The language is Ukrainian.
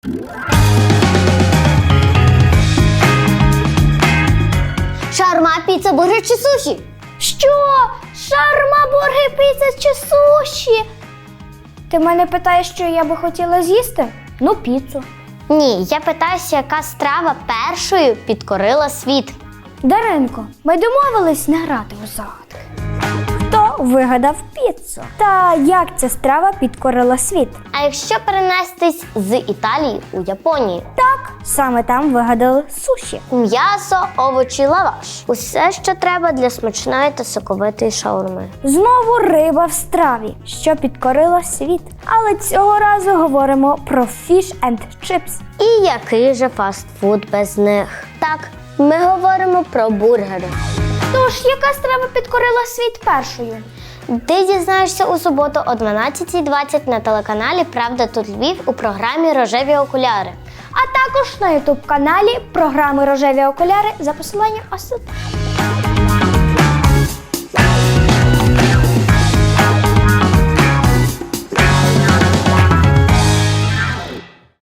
Шаурма, піца, бургер чи суші? Що? Шаурма, бургер, піца чи суші? Ти мене питаєш, що я би хотіла з'їсти? Ну, піцу. Ні, я питаюся, яка страва першою підкорила світ. Даринко, ми домовились не грати у загадки. Хто вигадав піцу? Та як ця страва підкорила світ? А якщо перенестись з Італії у Японію? Так, саме там вигадали суші. М'ясо, овочі, лаваш. Усе, що треба для смачної та соковитої шаурми. Знову риба в страві, що підкорила світ. Але цього разу говоримо про fish and chips. І який же фастфуд без них? Так, ми говоримо про бургери. Тож, яка страва підкорила світ першою? Ти дізнаєшся у суботу о 12:20 на телеканалі «Правда тут Львів» у програмі «Рожеві окуляри». А також на ютуб-каналі програми «Рожеві окуляри» за посиланням ось тут.